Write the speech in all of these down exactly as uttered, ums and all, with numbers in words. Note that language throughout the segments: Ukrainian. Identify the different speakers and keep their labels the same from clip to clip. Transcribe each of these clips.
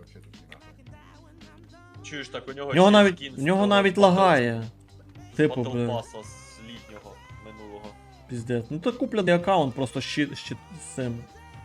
Speaker 1: вообще тут нахуй.
Speaker 2: Чуєш, так у нього
Speaker 1: Ну,
Speaker 3: В нього
Speaker 2: ще
Speaker 3: навіть,
Speaker 2: скін
Speaker 3: в
Speaker 2: з
Speaker 3: нього
Speaker 2: того
Speaker 3: навіть
Speaker 2: Battle-
Speaker 3: лагає. Типу,
Speaker 2: Battle
Speaker 3: бля,
Speaker 2: Pass з літнього минулого.
Speaker 3: піздець. Ну то куплений аккаунт, просто щит, щит з цим.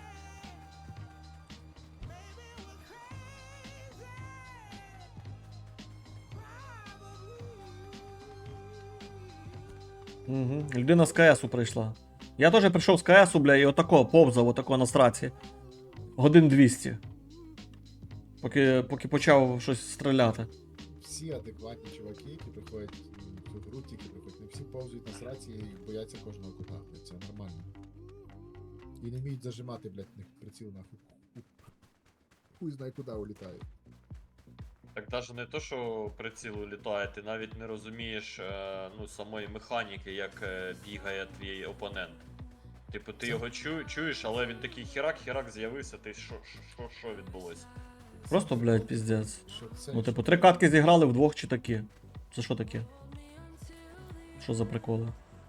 Speaker 3: Угу. Людина з КСу прийшла. Я теж прийшов з КСу, бля, і отако повзав, отако на страці. Годин двісті. Поки, поки почав щось стріляти.
Speaker 1: Всі адекватні чуваки, які приходять в цю гру, тільки приходять, не всі повзують на сраці і бояться кожного кута, блядь, це нормально. І не вміють зажимати, блядь, в них приціл нахуй. Хуй знає куди улітають.
Speaker 2: Так навіть не то, що прицілу літає, ти навіть не розумієш е, ну, самої механіки, як е, бігає твій опонент. Типу, ти
Speaker 1: Це-
Speaker 2: його чу, чуєш, але він такий херак-херак з'явився, ти що, що, що, що відбулося?
Speaker 3: Просто, блядь, піздець.
Speaker 1: Що це?
Speaker 3: Ну, типу, три катки зіграли вдвох чи такі. Це що таке? Що за приколи?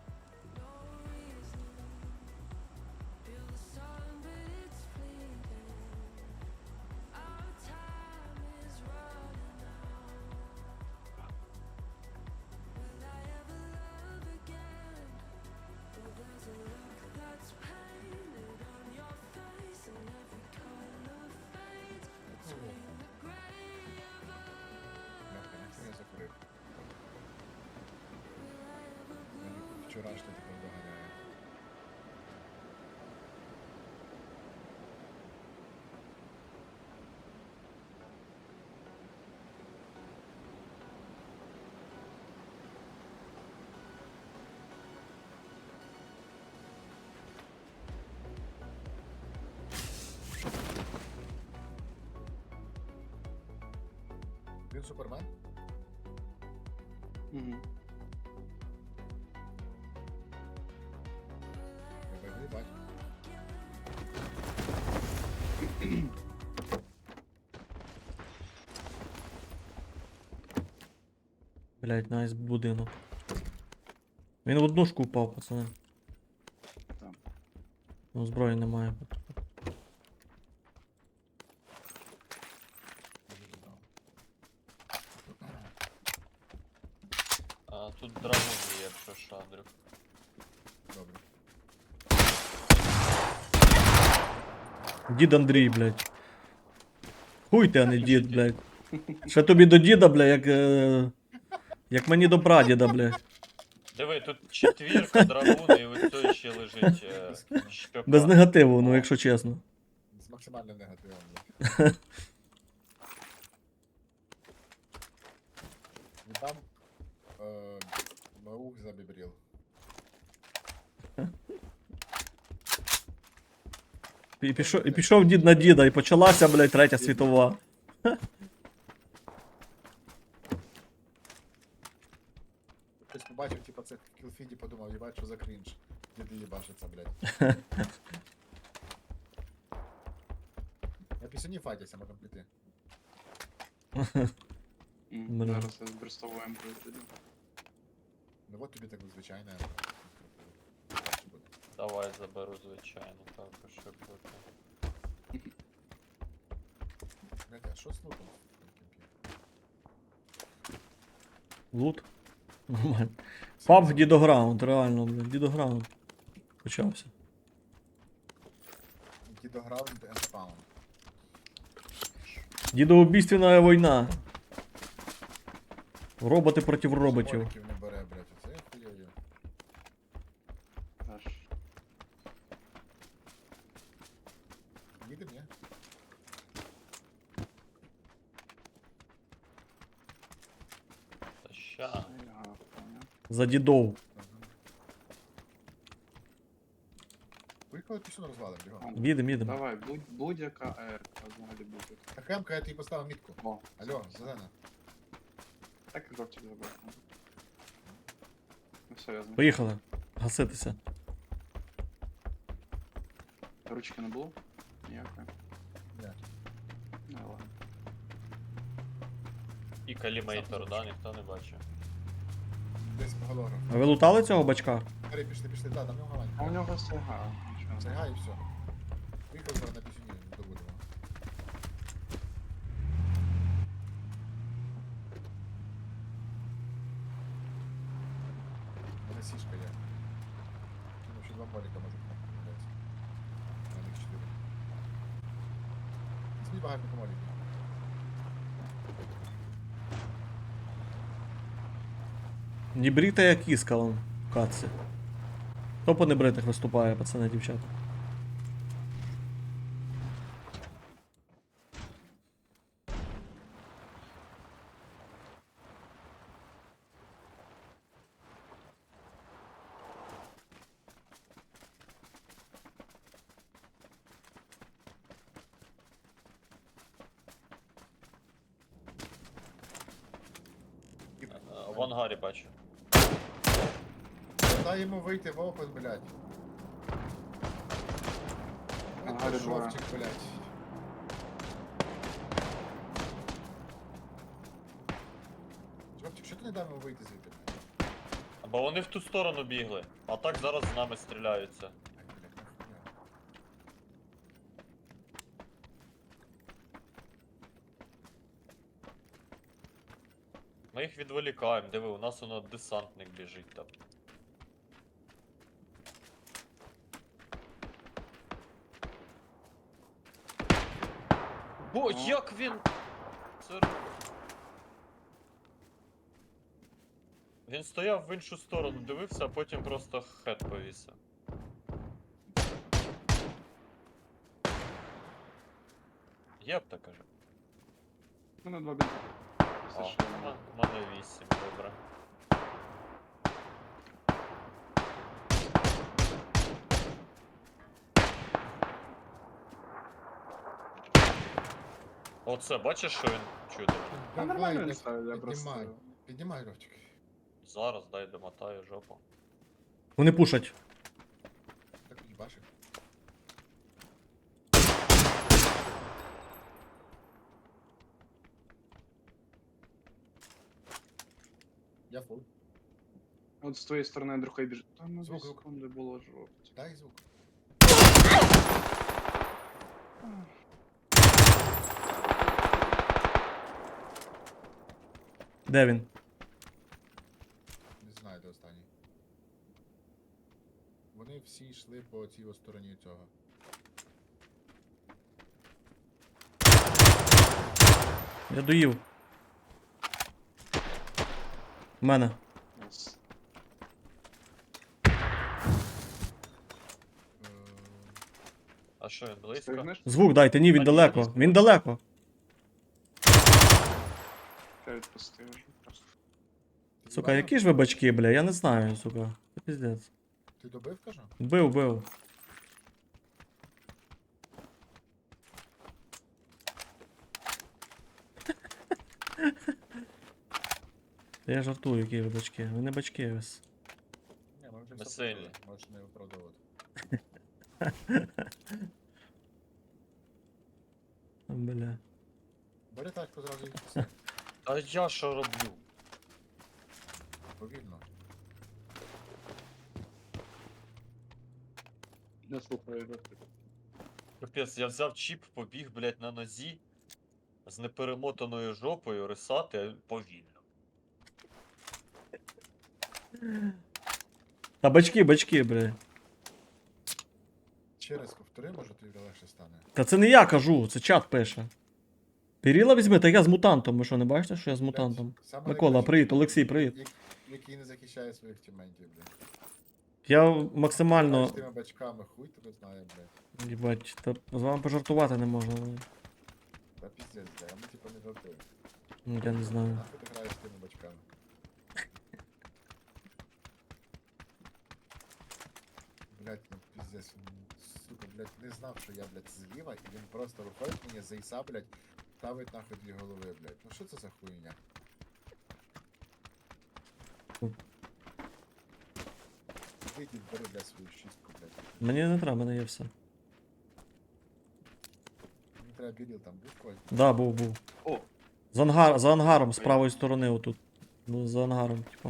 Speaker 1: Бляха, нахуй я закурив. Мені вчорашнє тепер доганяє. Він супермен?
Speaker 4: Угу.
Speaker 1: Я не бачу.
Speaker 3: Блядь, найс будинок. Він в однушку впав, пацани.
Speaker 4: Так.
Speaker 3: Ну, зброї немає.
Speaker 2: А тут драгун є, якщо що, Андрюх.
Speaker 1: Добре.
Speaker 3: Дід Андрій, блядь. Хуй ти, а не дід, блядь. Ще тобі до діда, блядь, як. Е... Як мені до прадіда, блядь.
Speaker 2: Диви, тут четвірка, драгун, і ось той ще лежить е, шпика.
Speaker 3: Без негативу, ну якщо чесно.
Speaker 1: З максимальним негативом. блядь. І там е, Маух забібрів.
Speaker 3: І пішов, і пішов дід на діда, і почалася, блядь, третя світова.
Speaker 1: Хтось побачив, типа, це в кілфіді, подумав, їбать, що за крінж. Діди їбашиться, блядь. Я пісюні файтяся, можемо піти.
Speaker 3: Бля.
Speaker 4: Зараз я з брестовою емкою піду.
Speaker 1: Ну от тобі так звичайно.
Speaker 2: Давай заберу, звичайно, також, щоб бути.
Speaker 1: Блядь, а що з лутом?
Speaker 3: Лут. Нормально. Паб дідограунд, реально, блядь, дідограунд. Почався.
Speaker 1: Дідограунд and spawn.
Speaker 3: Дідоубійственна війна. Роботи проти роботів.
Speaker 1: Шмоліків не бере, блядь, оце я хуйою.
Speaker 4: Аж.
Speaker 1: Їдем, ні?
Speaker 2: Та ща.
Speaker 4: Ага, понял.
Speaker 3: За дідов.
Speaker 1: Ага. Поїхали пісюн розвалим, бігом.
Speaker 3: Їдем, їдем.
Speaker 4: Давай, будь, будь-яка ерка, взагалі будь-яка.
Speaker 1: А хемка, я тобі поставив мітку.
Speaker 4: О,
Speaker 1: Алло, зелена.
Speaker 4: так і жовтик забрав. Ну все, я знаю.
Speaker 3: Поїхали. Гаситися.
Speaker 4: Ручки не було? Ніякої.
Speaker 1: Ні.
Speaker 4: Ну ладно.
Speaker 2: І калімейтор, да, ніхто не бачив.
Speaker 1: Десь по голографу.
Speaker 3: А ви лутали цього бачка?
Speaker 1: Пішли, пішли, пішли, да, там в нього
Speaker 4: А у
Speaker 1: гавань.
Speaker 4: нього слуга.
Speaker 1: Серга і все. Поїхали зараз на пісюні добудемо. сішка є. Ну, ще два моліка можуть купляти. На них чотири. Візьміть багато моліків.
Speaker 3: Не брита як кіска вон в катці. Хто по небритих виступає, пацани, дівчата?
Speaker 2: Е, В ангарі бачу.
Speaker 1: Дай йому вийти в опен, блядь.
Speaker 4: Ангарі
Speaker 1: Это
Speaker 4: двоє.
Speaker 1: жовтик, блядь. Жовтик, що ти не дав йому вийти звідти? блядь?
Speaker 2: Бо вони в ту сторону бігли, а так зараз з нами стріляються.
Speaker 1: Ай, блядь, нахуя.
Speaker 2: Ми їх відволікаємо, диви, у нас воно десантник біжить там. Бо
Speaker 4: Ну.
Speaker 2: як він. Це... Він стояв в іншу сторону, дивився, а потім просто хет повісив. Є б так каже.
Speaker 4: У мене два бінти.
Speaker 2: А,
Speaker 4: Все, що я
Speaker 2: в
Speaker 4: маю.
Speaker 2: мене вісім, добре. Оце, бачиш, що він чудо?
Speaker 4: Та нормально він
Speaker 1: не
Speaker 4: ставив, я
Speaker 1: піднімай.
Speaker 4: просто...
Speaker 1: Піднімай, Ровчик.
Speaker 2: Зараз дай домотаю жопу.
Speaker 3: Вони пушать.
Speaker 1: Так їбашив. Я фул.
Speaker 4: От з твоєї сторони другий біжить. Там на дві
Speaker 1: Звук, звук.
Speaker 4: секунди було жовть.
Speaker 1: Дай звук.
Speaker 3: Де він?
Speaker 1: Не знаю, де останній. Вони всі йшли по цій ось стороні цього.
Speaker 3: Я доїв. У мене.
Speaker 4: Ось.
Speaker 1: Е,
Speaker 2: А що він близько?
Speaker 4: Встигнеш?
Speaker 3: Звук дайте, ні, він
Speaker 2: А, ні,
Speaker 3: далеко.
Speaker 2: дійсно.
Speaker 3: Він далеко.
Speaker 4: Я відпустив вже просто.
Speaker 1: ти
Speaker 3: Сука,
Speaker 1: їбав?
Speaker 3: які ж ви бачки, бля, я не знаю, сука. Це піздець.
Speaker 1: Ти добив, кажу?
Speaker 3: Бив, бив. Я жартую, які ви бачки. Ви не бачки ось.
Speaker 1: Ні, ми вже
Speaker 2: Ми
Speaker 1: все
Speaker 2: сильні.
Speaker 1: почули, можеш не виправдовувати.
Speaker 3: Бля.
Speaker 1: Бери тачку зразу і писай.
Speaker 2: А я що роблю?
Speaker 1: Повільно.
Speaker 4: Не слухаю, Робчик.
Speaker 2: Капець, я взяв чіп, побіг, блядь, на нозі з неперемотаною жопою рисати повільно.
Speaker 3: Та бачки, бачки, бля.
Speaker 1: Ще раз повтори, може тобі легше стане.
Speaker 3: Та це не я кажу, це чат пише. Періла візьми, та я з мутантом. Ви що, не бачите, що я з мутантом?
Speaker 1: Блядь, саме
Speaker 3: Микола,
Speaker 1: найкраще,
Speaker 3: привіт, Олексій, привіт.
Speaker 1: як- Який не захищає своїх тіментів, блядь.
Speaker 3: Я
Speaker 1: Знаєш,
Speaker 3: максимально.
Speaker 1: тими бачками хуй тебе знає, блядь.
Speaker 3: Їбать, та з вами пожартувати не можна. бля.
Speaker 1: Та піздець, блядь, а ми типу не жартуємо.
Speaker 3: Ну, я не знаю.
Speaker 1: Нахуй ти граєш з тими бачками? Блядь, ну піздець, він, сука, блядь, не знав, що я, блядь, зліва, і він просто виходить мені за іса, блядь, ставить нахуй дві голови, блядь. Ну що це за хуйня? Вийди, бери, блядь, свою шістку, блядь.
Speaker 3: Мені не треба, в мене є все.
Speaker 1: Мені треба біріл там, був когось?
Speaker 3: Да, був, був.
Speaker 4: О,
Speaker 3: За, ангар, за ангаром з правої сторони, отут. Ну, за ангаром, типа.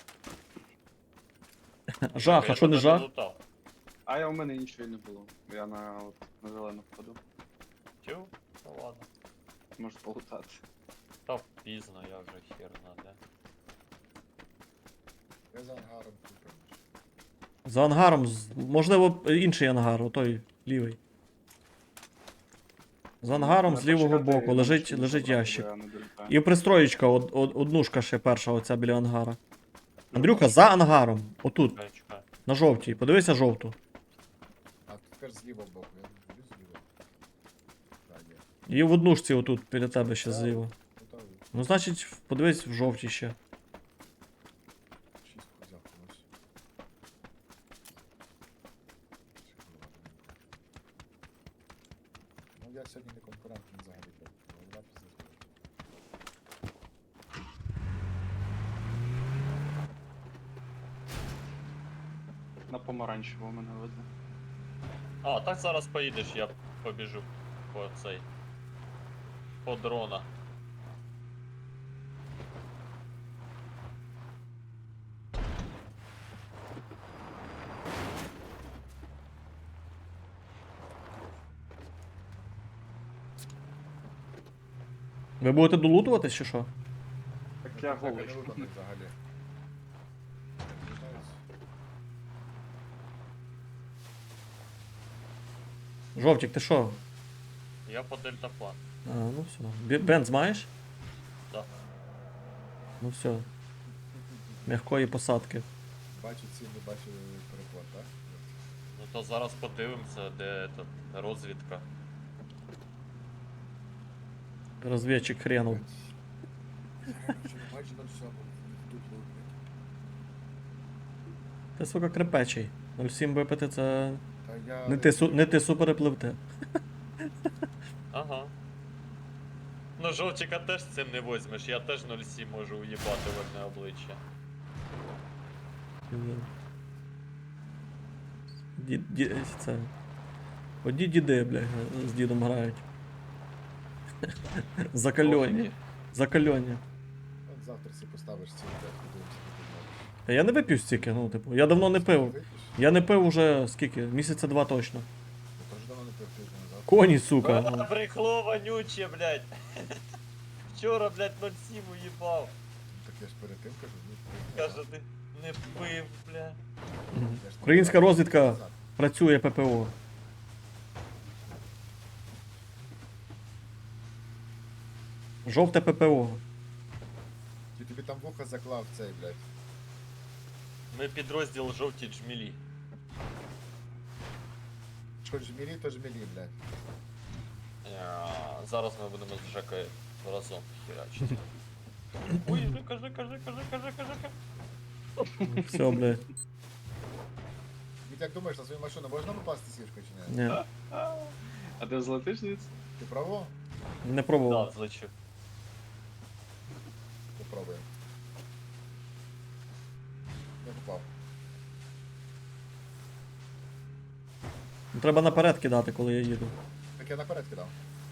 Speaker 3: Жах,
Speaker 2: Я
Speaker 3: а що не
Speaker 2: тебе
Speaker 3: жах?
Speaker 2: лутав.
Speaker 4: а я у мене нічого і не було. Я на, от, на зелену входу.
Speaker 2: Тю? Ну ладно.
Speaker 4: Можу полутати.
Speaker 2: Та пізно, я вже хер знаде.
Speaker 1: Я за ангаром купив.
Speaker 3: За ангаром, з- можливо, інший ангар, отой лівий. За ангаром з лівого боку лежить, лежить ящик. І пристроєчка, од, од, однушка ще перша, оця біля ангара. Андрюха, за ангаром. Отут,
Speaker 2: Чекай, чекай.
Speaker 3: на жовтій. Подивися жовту.
Speaker 1: А тепер з лівого боку, я не люблю зліва. Так, є.
Speaker 3: І в однушці отут біля тебе ще
Speaker 1: Так.
Speaker 3: зліва.
Speaker 1: Готовий.
Speaker 3: Ну, значить, подивись в жовтій ще.
Speaker 1: Шістку взяв комусь. Ну я сьогодні не конкурентний взагалі. так, голова пиздець болить.
Speaker 4: На помаранчево мене веде.
Speaker 2: А, так зараз поїдеш, я побіжу по цей. По дрона.
Speaker 3: Ви будете долутуватись чи що?
Speaker 4: Так
Speaker 1: Ну,
Speaker 4: я
Speaker 1: так,
Speaker 4: голий.
Speaker 1: не виходить взагалі. Не знаю.
Speaker 3: Жовтік, ти що?
Speaker 2: Я по дельтаплан.
Speaker 3: А, ну все. Бі- Бенз маєш?
Speaker 2: Да.
Speaker 3: Ну все. М'якої посадки.
Speaker 1: Бачу ціль, не бачу переход, так?
Speaker 2: Ну то зараз подивимося, де тут розвідка.
Speaker 3: Розвідчик хренув.
Speaker 1: Майже на всьому. Тут лупить.
Speaker 3: Ти, сука, крепечий. нуль сім випити це.
Speaker 1: Та я...
Speaker 3: Не ти, су- не ти суперепливте.
Speaker 2: Ага. Ну жовтика теж цим не возьмеш, я теж нуль сім можу уїбати в одне обличчя.
Speaker 3: Ді, ді, це. Одні діди, бля, з дідом грають. Закальонні. Закальонні.
Speaker 1: От завтра си поставиш ціль, блядь, подивимося, як ти зробиш.
Speaker 3: Та я не вип'ю стільки, ну, типу, я давно не пив.
Speaker 1: Вип'єш?
Speaker 3: Я не пив уже скільки? Місяця два точно.
Speaker 1: Я теж давно не пив тиждень назад.
Speaker 3: Коні, сука.
Speaker 2: А,
Speaker 3: ну.
Speaker 2: брехло вонюче, блядь. Вчора, блядь, нуль сім уїбав.
Speaker 1: Ну, так я ж перед тим кажу, ну,
Speaker 2: Каже, ти не пив, блядь.
Speaker 3: Мгм.
Speaker 1: я ж не
Speaker 3: Українська
Speaker 1: пив
Speaker 3: розвідка
Speaker 1: назад.
Speaker 3: працює ППО. Жовте ППО.
Speaker 1: Чи тобі там вуха заклав цей, блядь?
Speaker 2: Ми підрозділ жовті джмілі.
Speaker 1: Що жмілі, то жмілі, блядь.
Speaker 2: Я... Зараз ми будемо з Жекою разом херачити. Ой, кажи, кажи, кажи, кажи, кажи, кажи.
Speaker 3: Все, блядь.
Speaker 1: Ти як думаєш, на свою машину можна попасти сішкою чи ні?
Speaker 3: Ні,
Speaker 4: А ти злетиш звідси?
Speaker 1: Ти право?
Speaker 3: не
Speaker 2: Да,
Speaker 3: пробував.
Speaker 2: злечу.
Speaker 1: Попробуємо. Не попав.
Speaker 3: Ну, треба наперед кидати, коли я їду.
Speaker 1: Так я наперед кидав.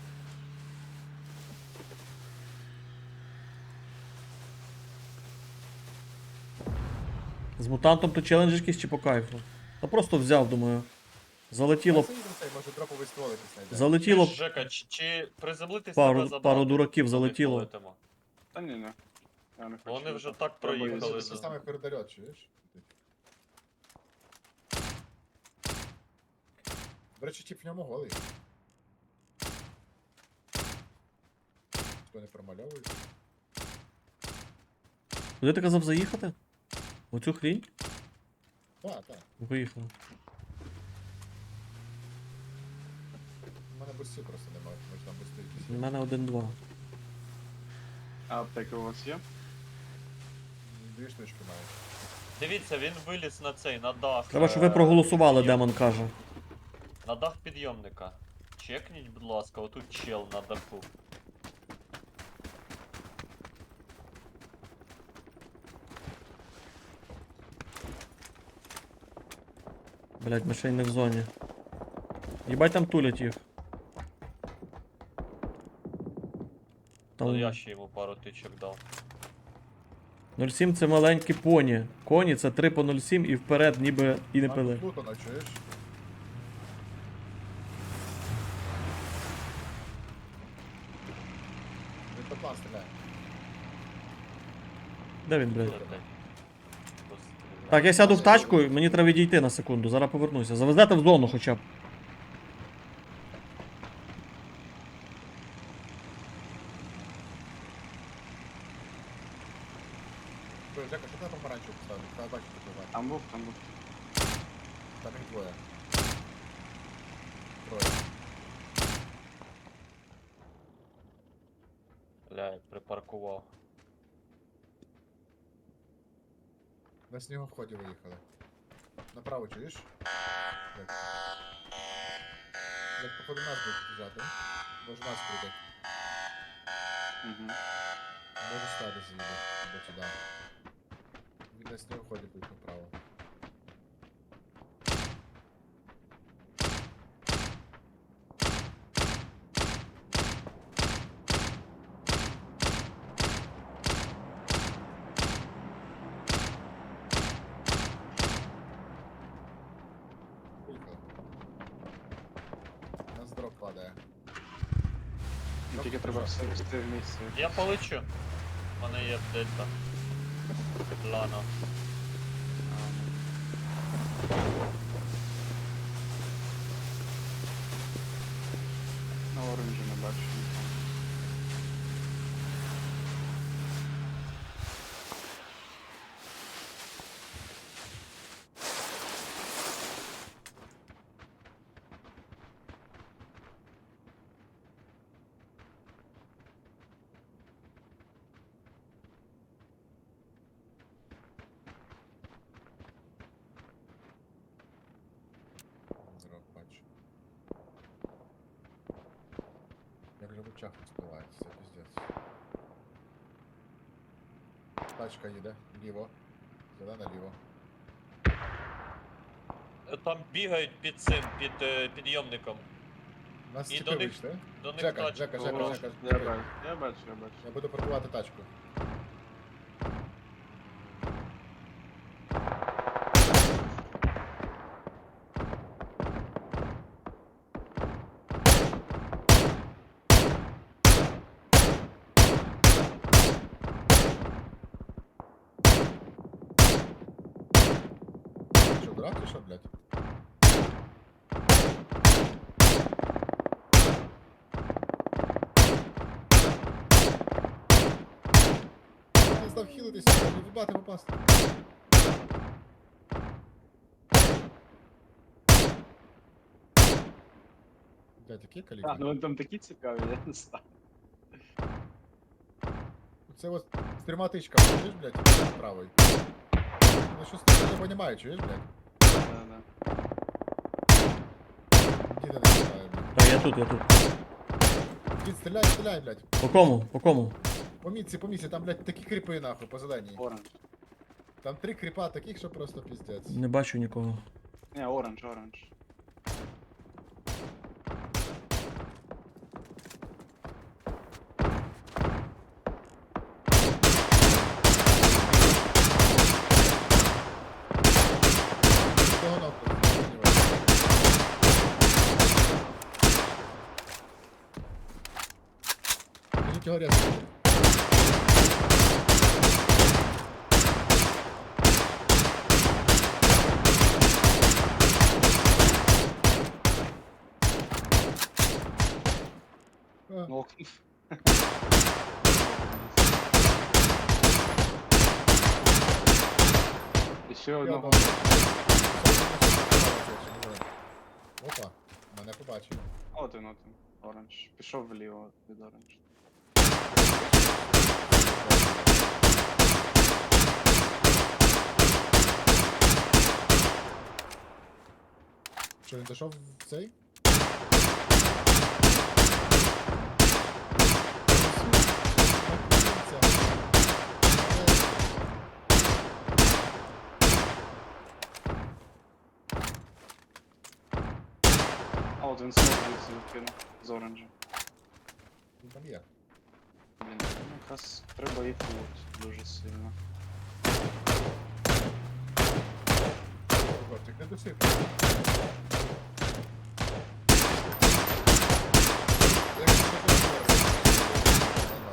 Speaker 3: З мутантом то челендж якийсь чи по кайфу? Та просто взяв, думаю. Залетіло,
Speaker 1: Я заїду цей, може дроповий ствол якийсь знайде.
Speaker 3: залетіло
Speaker 2: Чуєш, Жека, чи, чи приземлитись
Speaker 3: Пару-
Speaker 2: тебе забрати?
Speaker 3: пару дураків
Speaker 2: Куди
Speaker 3: залетіло.
Speaker 2: полетимо?
Speaker 4: Та ні, ні. Я не хочу.
Speaker 2: Вони вже так
Speaker 4: Треба
Speaker 2: проїхали.
Speaker 4: їздити.
Speaker 1: Це саме передольот, чуєш? До речі, тип в ньому голий. Хто не промальовує?
Speaker 3: Куди ти казав заїхати? Оцю хрінь?
Speaker 1: Так, так.
Speaker 3: Виїхав.
Speaker 1: У мене бустів просто немає, може там бусти
Speaker 3: У
Speaker 1: якісь. є.
Speaker 3: мене один-два.
Speaker 4: А аптеки у вас є?
Speaker 1: Дві штучки маю.
Speaker 2: Дивіться, він виліз на цей, на дах.
Speaker 3: Треба, щоб ви
Speaker 2: е,
Speaker 3: проголосували,
Speaker 2: підйом-
Speaker 3: демон каже.
Speaker 2: На дах підйомника. Чекніть, будь ласка, отут чел на даху.
Speaker 3: Блять, ми ще й не в зоні. Їбать там тулять їх.
Speaker 2: То
Speaker 3: Там
Speaker 2: я ще йому пару тичок дав.
Speaker 3: нуль сім це маленькі поні. Коні це три по нуль сім і вперед ніби і не
Speaker 1: Там
Speaker 3: пили.
Speaker 1: тут Плутона, чуєш? Він по план стріляє.
Speaker 3: Де він, блядь?
Speaker 2: Летить. Ось
Speaker 3: Так, я сяду в тачку, мені треба відійти на секунду, зараз повернуся. Завезете в зону хоча б.
Speaker 1: Ой, Жека, що ти на помаранчеву поставив? Та бачу, ти бачиш.
Speaker 4: Там був, там був.
Speaker 1: Там їх двоє. Троє.
Speaker 2: Блядь, припаркував.
Speaker 1: На снігоході виїхали. Направо чуєш? Так. Як походу нас будуть біжати. Може нас прийде.
Speaker 4: Угу.
Speaker 1: Може стати з'їде. Або сюди. Він на снігоході буде направо. Поїхали. У нас дроп падає.
Speaker 4: Ну, тільки треба все вести в місці.
Speaker 2: Я полечу. У мене є дельта. Лана.
Speaker 4: На оранжі не бачу.
Speaker 1: Дроп бачу. Як же в очах не спливається, піздець. Тачка їде, ліво. Зелена ліво.
Speaker 2: Е, Там бігають під цим, під е, підйомником.
Speaker 1: У нас
Speaker 2: І
Speaker 1: тіпи
Speaker 2: до них-
Speaker 1: вийшли.
Speaker 2: До них
Speaker 1: Жека,
Speaker 2: тачка.
Speaker 1: Жека,
Speaker 2: була.
Speaker 1: Жека, Жека.
Speaker 4: Я бачу, я бачу, я бачу.
Speaker 1: Я буду паркувати тачку. Що, дурак чи що, блядь? Я не став хілитися, не вибати попасти. Блядь, які
Speaker 4: А,
Speaker 1: калібри?
Speaker 4: ну вони там такі цікаві, я не знаю.
Speaker 1: Це от з трьома тичками, чуєш, блядь, правий. Ну що ти не розумію, чуєш, блядь?
Speaker 4: Да-да.
Speaker 1: Діда не стріляє, блядь.
Speaker 3: Так, я тут, я тут.
Speaker 1: Дід, стріляй, стріляй, блядь.
Speaker 3: По кому? По кому?
Speaker 1: По мітці, по мітці, там, блядь, такі кріпи, нахуй, по зеленій.
Speaker 4: Оранж.
Speaker 1: Там три кріпа таких, що просто піздець.
Speaker 3: Не бачу нікого.
Speaker 4: Не, оранж, оранж.
Speaker 1: Того нахуй. Кажіть його різко. А,
Speaker 4: Ну, Ще
Speaker 1: я
Speaker 4: одного.
Speaker 1: бачу. Опа, мене побачив.
Speaker 4: От він, от він. Оранж. Пішов вліво від оранж.
Speaker 1: Що він дійшов в цей?
Speaker 4: А от він знову звідси відкинув з оранжа.
Speaker 1: Він там є.
Speaker 4: Блін, ну якраз треба їх лут дуже сильно.
Speaker 1: Хлопчик, не досипай.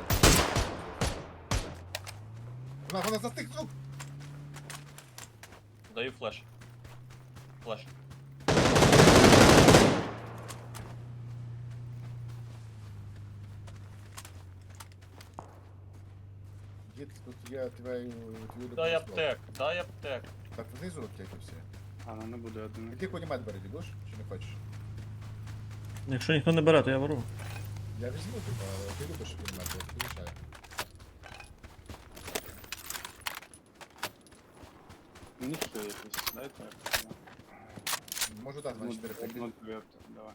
Speaker 1: Вона, вона застиг, сук!
Speaker 2: даю флеш. Флеш.
Speaker 1: Дід, тут є твій твій
Speaker 2: Дай
Speaker 1: любимий ствол.
Speaker 2: аптек, дай аптек.
Speaker 1: Так внизу аптеки всі.
Speaker 4: А, ну не буде один.
Speaker 1: Іди кунімет бери, дідуш, чи не хочеш?
Speaker 3: Якщо ніхто не бере, то я беру.
Speaker 1: Я візьму, типа, ти любиш кунімет, я тобі лишаю.
Speaker 4: Мені ще якось, дайте.
Speaker 1: Можу дати на чотири п'ять.
Speaker 4: Ну, дві аптеки, давай.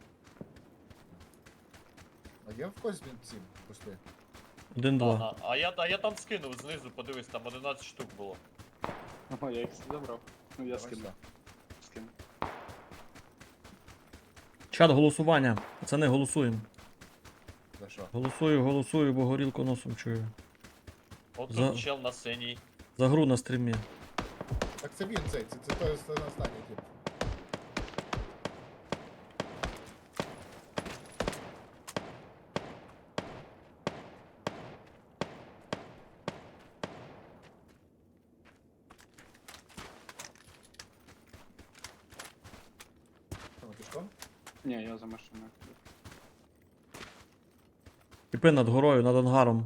Speaker 1: А є в когось він ці пусти?
Speaker 3: Один-два.
Speaker 2: Ага. А я, а я там скинув знизу, подивись, там одинадцять штук було.
Speaker 4: О, я їх всі забрав. Ну я
Speaker 1: Давай
Speaker 4: скину.
Speaker 1: сюди.
Speaker 4: Скину.
Speaker 3: Чат голосування. Пацани, голосуємо.
Speaker 1: За що?
Speaker 3: Голосую, голосую, бо горілку носом чую.
Speaker 2: От
Speaker 3: За-
Speaker 2: тут чел на синій.
Speaker 3: За гру на стрімі.
Speaker 1: Так це він цей, це, це той це останній тип. Що, ми пішком?
Speaker 4: Ні, я за машиною.
Speaker 3: Тіпи над горою, над ангаром.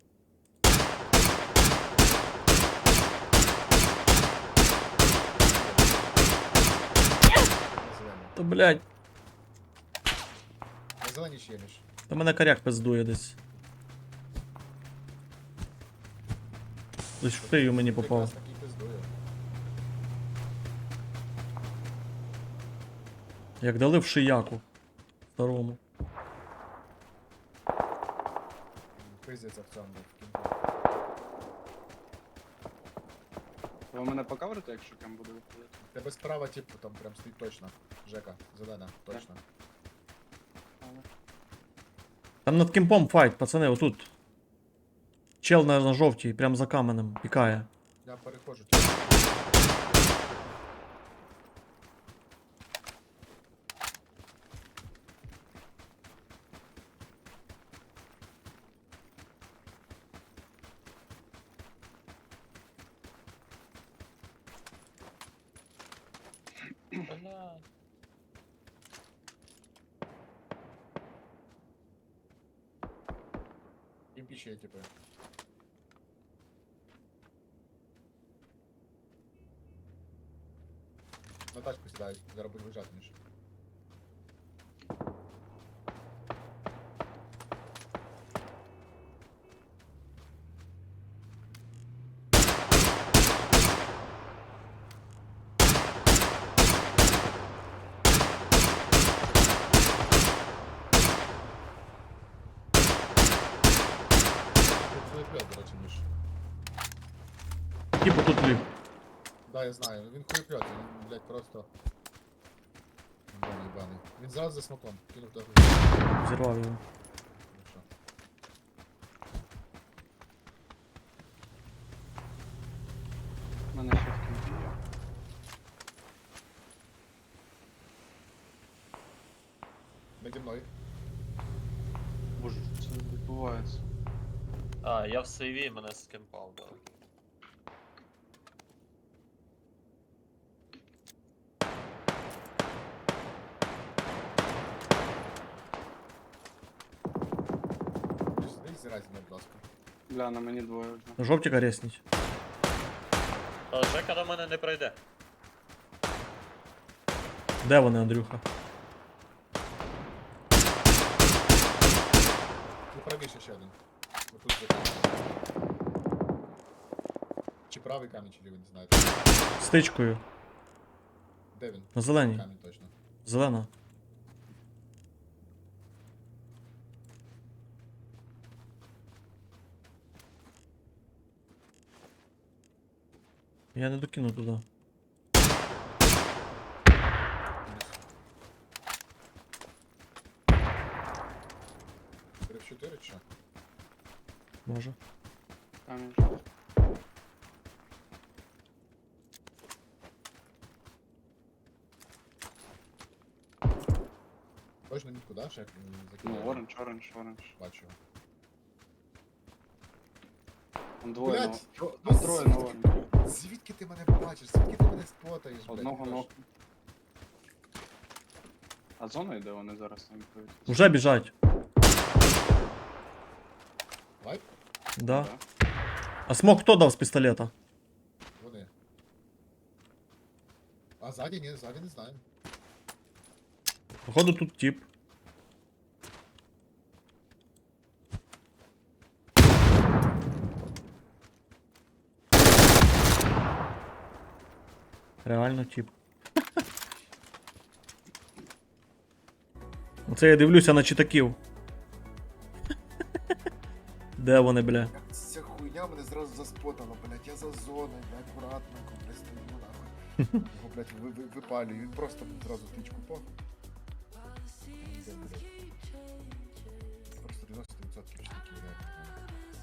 Speaker 1: На зелені.
Speaker 3: Та блядь,
Speaker 1: На зелені ще є між.
Speaker 3: та мене коряк пиздує десь. Лиш в шию мені попав.
Speaker 1: Якраз такий пиздує.
Speaker 3: Як дали в шияку. Старому.
Speaker 1: Пиздяться в цьому в кінці.
Speaker 4: Ви мене покаверите, якщо кем буде виходити?
Speaker 1: В Тебе справа, типу, там прям стоїть точно. Жека, зелена, точно.
Speaker 4: Але...
Speaker 3: Там над кемпом файт, пацани, отут. Чел на, на жовтій, прям за каменем, пікає.
Speaker 1: Я переходжу. Типу.
Speaker 2: Бля.
Speaker 1: Їм піще, типу. На тачку сідають, зараз будуть виїжджати ніж. Тут хуєплет, до речі, ніж.
Speaker 3: Типу тут ліг.
Speaker 1: Да, я знаю, він хуєплет, він, блядь, просто... Ебаний, ебаний. Він зразу за смоком, кинув до груди.
Speaker 3: Зірвав його.
Speaker 1: Хорошо.
Speaker 4: У мене ще в кінці є.
Speaker 1: Наді мною.
Speaker 4: Боже, що це відбувається?
Speaker 2: А, я в сейві, мене скемпав, да.
Speaker 1: Десь зразі мене, будь ласка.
Speaker 4: Бля, на мені двоє вже.
Speaker 3: На жовтіка ресніть.
Speaker 2: Та Жека до мене не прийде.
Speaker 3: Де вони, Андрюха?
Speaker 1: Ну, правіше ще один. Отут за камінь. Чи правий камінь, чи лівий, не знаю.
Speaker 3: Стичкою.
Speaker 1: Де він?
Speaker 3: На зеленій.
Speaker 1: Камінь точно.
Speaker 3: Зелена. Я не докину туди.
Speaker 1: три в чотири чи що?
Speaker 3: Може.
Speaker 4: Камінь.
Speaker 1: Точно нікуди, ще як
Speaker 4: Ну,
Speaker 1: закидаю.
Speaker 4: оранж, оранж, оранж.
Speaker 1: Бачу.
Speaker 4: Там двоє
Speaker 1: Блядь,
Speaker 4: ног.
Speaker 1: ну,
Speaker 4: Там троє
Speaker 1: звідки-
Speaker 4: ног.
Speaker 1: Звідки ти мене бачиш? Звідки ти мене спотаєш, блядь?
Speaker 4: Одного
Speaker 1: Льош?
Speaker 4: ног. А зона йде вони зараз там відповідь?
Speaker 3: Уже біжать.
Speaker 1: Лайк?
Speaker 3: Да. А смок хто дав з пістолета?
Speaker 1: Вони. А ззаді ні, ззаді не знаю.
Speaker 3: Походу тут тип. Реально тип. Оце я дивлюся на читаків. Де вони, бля?
Speaker 1: Ця хуйня мене зразу заспотала, блядь, я за зоною, блядь, акуратненько, блядь, стою нахуй. Його, блядь, ви, ви, випалюю, він просто зразу тичку пах. Просто дев'яносто відсотків чоловіків реально.